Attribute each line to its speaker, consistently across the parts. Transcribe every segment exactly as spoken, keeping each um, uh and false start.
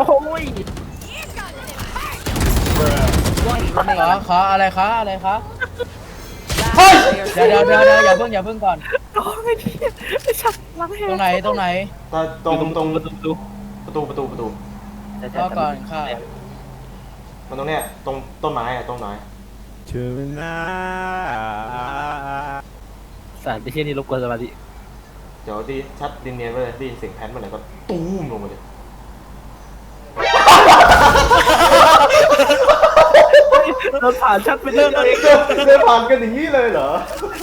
Speaker 1: ย
Speaker 2: ขอขออะไรคะอะไรคะ
Speaker 3: เฮ้ย
Speaker 2: เดี๋ยวเดี๋ยวเดี๋ยวเดี๋ยวอย่าเพิ่งอย่าเพิ่งก่อน
Speaker 1: โอ้ยพี่ไอ้ชักล้างแห
Speaker 2: ตรงไหนตรงไหน
Speaker 3: ตรงตรง
Speaker 1: ประตู
Speaker 3: ประตูประตูประตู
Speaker 2: รอก่อนค่ะ
Speaker 3: มันตรงเนี้ยตรงต้นไม้อะต้นไม้
Speaker 4: ถึงหน้า
Speaker 1: สารที่เช่นนี้รบกวนสมาธิ
Speaker 3: เดี๋ยวดีชัดดินเนียนไปเลยได้ยินเสียงแพนเมื่อไหร่ก็ตูมลงมาเลย
Speaker 1: รถผ่านชัดไปเรื่องเอง
Speaker 3: เดินผ่านกันอย่างนี้เลยเหรอ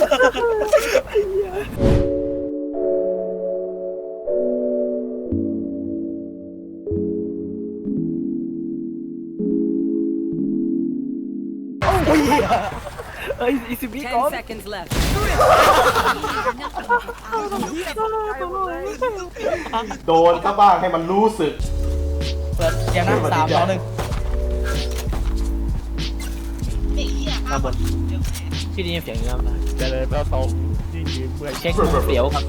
Speaker 1: เอ้ยอีสิบวิก่อน
Speaker 5: Ten seconds left.
Speaker 3: โดนซะบ้างให้มันรู้สึก
Speaker 2: เปิดเสียงนะสามสองหนึ่ง
Speaker 1: มาบนที่นี่เสียงเงียบนะ
Speaker 4: เจริญพระทรงที่ยืนเมื่อย
Speaker 1: เช็คเสียวครับ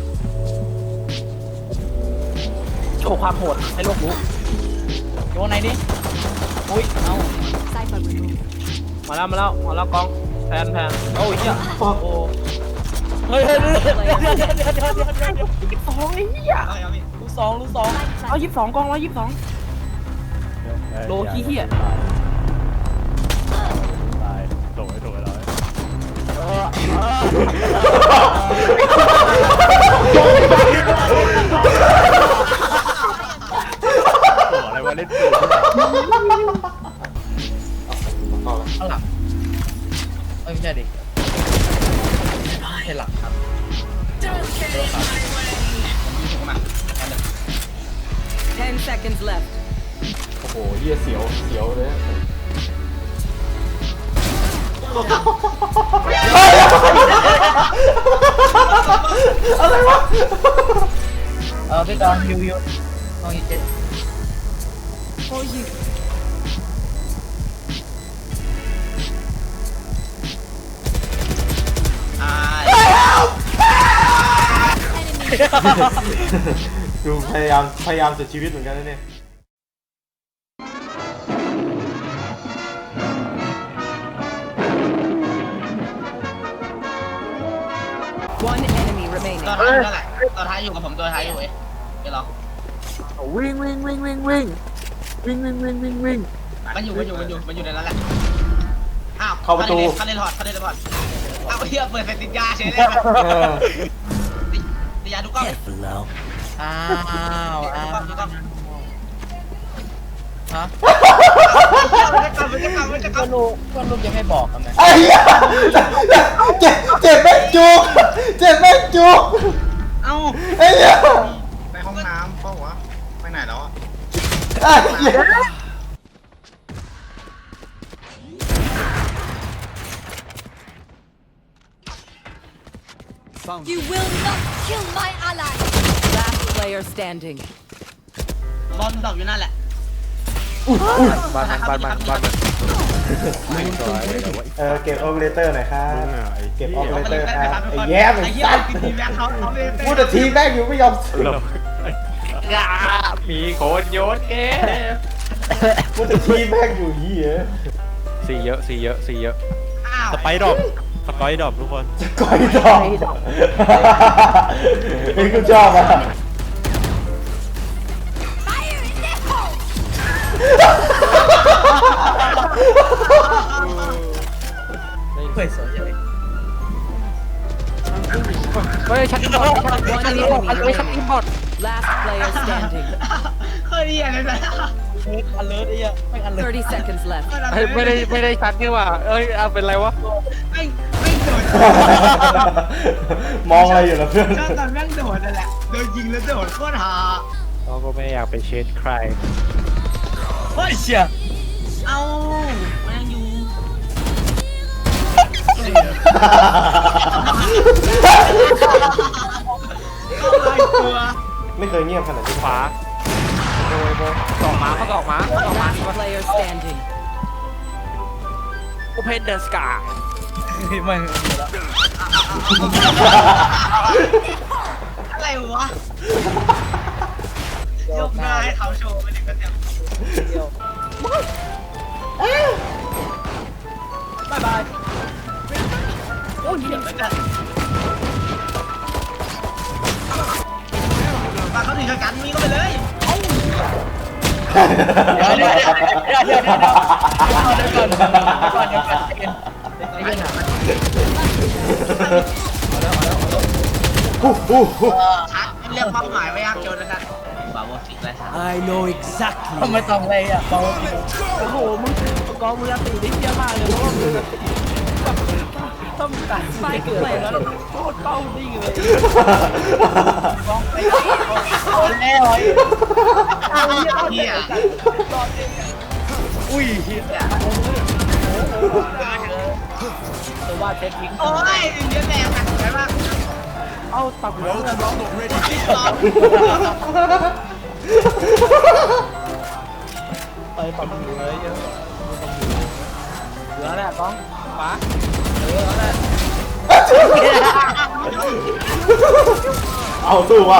Speaker 1: โชว์ความโหดให้โลกรู้
Speaker 2: โยนไหนดิอุ้ยเอา
Speaker 1: มาแล้วมาแล้วมาแล้วกองแพนแพนโอ้ยเหี้ย
Speaker 3: ฟอก
Speaker 2: โอ้เฮ้ยเฮ้ยเดี๋ยวเดี๋ยวเดี๋ยวเดี๋ยวเดี๋ยวเดี๋ยวเดี๋ยวเดี๋ยวเดี๋ยว
Speaker 1: ยี่สิบสองไอ้เหี้ย
Speaker 2: ลูกสองลูกสอง
Speaker 1: ร้อยยี่สิบสองกองร้อยยี่สิบสอง โลขี้เหี้ย
Speaker 4: ตายโดยโดยร้อยอะไรวะเล่นปืน
Speaker 3: ต่อเลย
Speaker 2: ข้างหลังเอ้ยไม่ใช่ดิเห็นหลังครับ
Speaker 5: Ten seconds left.
Speaker 3: โอ้โหเหี้ยเสียวเสียวเลยอะไรวะ
Speaker 2: เออพี่กองฮิวฮิวกองฮิวเจ็ด
Speaker 5: For you.
Speaker 3: ดูพยายามพยายามสุดชีวิตเหมือนกันนะเนี่ย
Speaker 5: One enemy remaining.
Speaker 6: ตัวท้ายอยู่นั่นแหละตัวท้ายอยู่กับผมตัวท้ายอยู่เอ้ยเดี๋ยวรอ
Speaker 1: วิ่งวิ่งวิ่งวิ่งวิ่งวิ่งวิ่งวิ่งวิ่งวิ่ง
Speaker 6: มันอยู่มันอยู่มันอยู่มันอยู่ในนั้นแหละอ้าว
Speaker 3: เข้าประตู
Speaker 6: เขาเล่นถอดเขาเล่นถอดอ้าวเฮียเปิดเสร็จติดยาเฉยเลย
Speaker 3: เออ
Speaker 6: ติดยาทุกกล้อง
Speaker 2: อ้าวอ้าว
Speaker 6: ทุกกล้อง
Speaker 2: ฮะ
Speaker 6: มันจะกลับมันจะกลับมันจะกลั
Speaker 2: ก็
Speaker 6: บ
Speaker 2: ลูกก็ลูกยังไม่บอกกันไหม
Speaker 3: ไอ้เหี้ยเจ็บเจ็บแม่งจุกเจ็บแม่งจุก
Speaker 6: เอ้า
Speaker 3: ไอ้เหี้ย
Speaker 6: ไปห้องน้ำเปล่าวะไปไหนแล้วอ่ะ
Speaker 3: ไอ้เหี้ย
Speaker 5: You will not kill my ally. Last player standing.
Speaker 6: บอลดอกอยู่นั่นแหละ
Speaker 4: บ้านมันบ้านมันบ้านมันไม่สวยแต่ว่า
Speaker 3: เออเก็บโอเปอเรเตอร์หน่อยครับ
Speaker 4: มึงอ่ะไอ้
Speaker 3: เก็บออ
Speaker 4: เหี้
Speaker 3: เป
Speaker 4: ย
Speaker 3: อเรเตอร์ครับไอ้แย้มไอ้
Speaker 6: ไอ้เหี้ย
Speaker 3: สัตว์
Speaker 6: ทีแบ็คเขาเขาไม่
Speaker 3: พูดแต่ทีแม่งอยู่ไม่ยอม
Speaker 4: มีคนโยนเกม
Speaker 3: พูดแต่ทีแม่งอยู่เหี้ย
Speaker 4: สีเยอะสีเยอะสีเยอะ
Speaker 6: อ้าว
Speaker 4: สไปดรอปสไปดรอปทุกคน
Speaker 3: จะก้อยดอกไอ้กูชอบอ่ะ
Speaker 5: Fire in the hole.
Speaker 2: เฮ้ยสวยจังเลย
Speaker 1: เฮ้ยชักอินบอร์ดชักอินบอร์ดเฮ้ยชักอินบอร์ด
Speaker 5: Last player standing.
Speaker 6: เฮ้ยเหี้ยเลยนะ
Speaker 2: อันเลิศไอ้เหี้ยไม่อันเลิศ
Speaker 5: Thirty seconds left.
Speaker 1: เฮ้ยไม่ได้ไม่ได้ชักนี่ว่ะเอ้ยเอาเป็นไรวะ
Speaker 6: ไม่ไม่โดด
Speaker 3: มองอะไรอยู่ล่ะเพื่อน
Speaker 6: ชอบตอนแม่งโดดนั่นแหละโดนยิงแล้วโดดโคตรฮา
Speaker 4: เราก็ไม่อยากไปเชนใคร
Speaker 2: เฮ้ยเชี่ย
Speaker 6: เอ้ามันยังอยู่
Speaker 3: ไม่เคยเงียบขนาดนี้
Speaker 4: ฟ้า
Speaker 1: โดยโบสองหมาเขาสองหมาเขาสองหมา
Speaker 5: Last player standing.
Speaker 1: Open the sky
Speaker 2: ไม่
Speaker 6: อะไรวะยกหน้าให้เขาโชว์ไปถึงกันเนี่ย
Speaker 2: เดียว
Speaker 1: บายบาย
Speaker 6: โอ้ยเดี๋ยวกันมาเขาถึงกันมีก็ไปเลย
Speaker 2: เดี๋ยวเดี๋ยวเดี๋ยวเดี๋ยวเดี๋ยวเดี๋ยวเดี๋ยวก่อนเดี๋ยวก่อนเดี๋ยวก่อนเดี๋ยวก่อนไอ้เรื่องอะ
Speaker 3: ฮู้ฮู้ฮู้
Speaker 6: ชัดเรียกเป้าหมายไว้ยังโจนนะครับบาโวสิกไรชัด
Speaker 7: I know exactly.
Speaker 2: ทำไมต้องเลยอ่ะเบาจริง
Speaker 1: โอ้โหมึงกองมือตีได้เยี่ยมากเลยเพราะว่ามึงต้องตัดไม่เกิดแล้วโคตรเป้าดิ่งเลย
Speaker 2: กองไปโดนแล้ว
Speaker 6: เฮีย
Speaker 2: อุ้ยเฮีย
Speaker 1: แต่ว่าเช็คยิง
Speaker 6: โอ้ยเยอะแรงนะใช่ปะ
Speaker 1: เอ้าตับหัวเลยน้อง
Speaker 6: พี่สอง
Speaker 1: ไปปับหัวเลยเยอะเหลือแหละกองขวาเออแล้วแหละ
Speaker 3: เอาสู้ว่ะ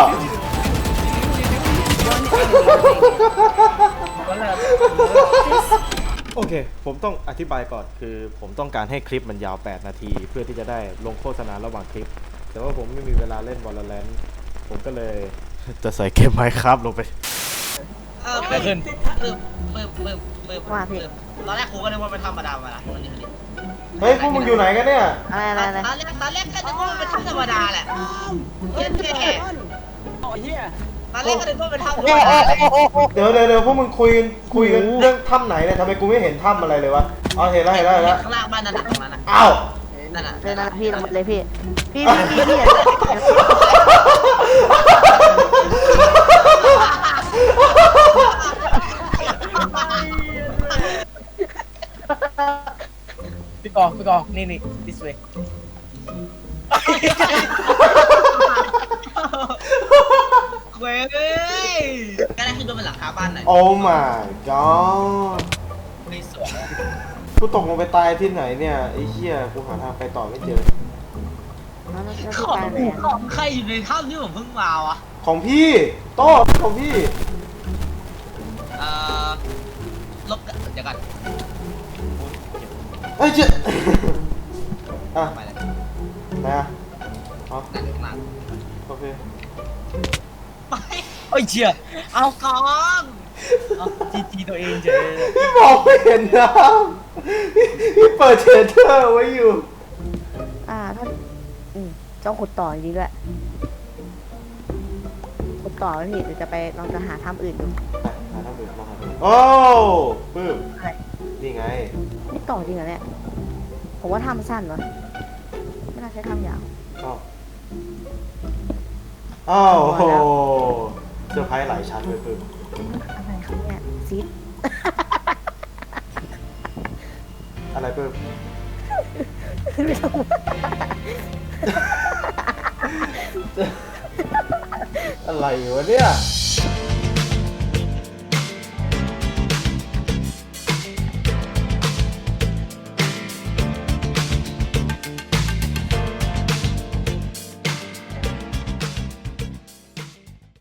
Speaker 1: แล้วแหละ
Speaker 3: โอเค ผมต้องอธิบายก่อน คือผมต้องการให้คลิปมันยาวแปดนาที เพื่อที่จะได้ลงโฆษณาระหว่างคลิป แต่ว่าผมไม่มีเวลาเล่น Valorant ผมก็เลย จะใส่เกม Minecraft ลงไป
Speaker 6: เออเพิ่มเพิ่มเพิ่มเพิ่มเพิ่มว่าพี่ตอนแรกครูก็นึกว่าเป็นธรรมดามาละวันนี้
Speaker 3: เฮ้ย พวกมึงอยู่ไหนกันเนี่ย
Speaker 6: อะไรอะไรอะไรตอนแรกตอนแรกก็นึกว่าเป็นธรรมดาแหละเท่เท่
Speaker 1: โอ้ยเฮีย
Speaker 6: ตอนแรกก็นึกว่าเป็นธรรมดา
Speaker 3: เดี๋ยวเดี๋ยวเดี๋ยวพวกมึงคุยกันคุยกันเรื่องถ้ำไหนเนี่ยทำไมกูไม่เห็นถ้ำอะไรเลยวะ อ๋อ เห็นแล้วเห็นแล้วเห็นแล้ว
Speaker 6: ข้างล่างบ้านนั่นน่ะตรงนั้นน่ะ
Speaker 3: อ้าว
Speaker 6: นั่นน่ะ
Speaker 8: เลยนะพี่ลงมาเลยพี่ พี่พี่พี่พี่
Speaker 2: พี่กองพี่กองนี่นี่ this way
Speaker 6: เว้ยก็ได้ขึ้นบนหลังคาบ้านหน่อย
Speaker 3: โอ้ my god
Speaker 6: ไม่สวย
Speaker 3: กูตกลงไปตายที่ไหนเนี่ย ไอ้เหี้ย กูหาทางไปต่อไม่เจอ
Speaker 8: แล้วแล้วพี่
Speaker 6: ของ
Speaker 8: ตายเลย
Speaker 6: ของใครอยู่ในถ้ำที่ผมเพิ่งมาวะ
Speaker 3: ของพี่โต้ของพี่
Speaker 6: เอ่อลบกันเดี๋ยวกัน
Speaker 3: เอ้ยเจ๊ อ่ะ
Speaker 6: ไปเลย
Speaker 3: ไหนอ่ะอ๋อ
Speaker 6: นั่นข้างล่าง
Speaker 3: โอเค
Speaker 6: ไป
Speaker 2: โอ้ยเชี่ย
Speaker 6: เอากอง
Speaker 2: เอาจีจีตัวเองเฉย
Speaker 3: พี่มองไม่เห็นนะพี่พี่เปิดเชดเตอร์ไว้อยู่
Speaker 8: อ่าท่านอืมต้องขุดต่อจริงๆด้วยขุดต่อไหมพี่เดี๋ยวจะไปลองจะหาถ้ำอื่นดู
Speaker 3: ไปหาทางอื่นลองหาทางอื่นโอ้ปื้ม
Speaker 8: อะไร
Speaker 3: นี่ไง
Speaker 8: ไม่ต่อจริงเหรอเนี่ยผมว่าถ้ำสั้นวะไม่น่าใช้ถ้ำยาว
Speaker 3: อ้าวอ้าวโอ้โหเซอร์ไพรส์หลายชั้นเลยปื้ม
Speaker 8: อะไรครับเนี่ยซีด
Speaker 3: อะไรปื้ม
Speaker 8: ไม่ต้อง
Speaker 3: อะไรวะเนี่ย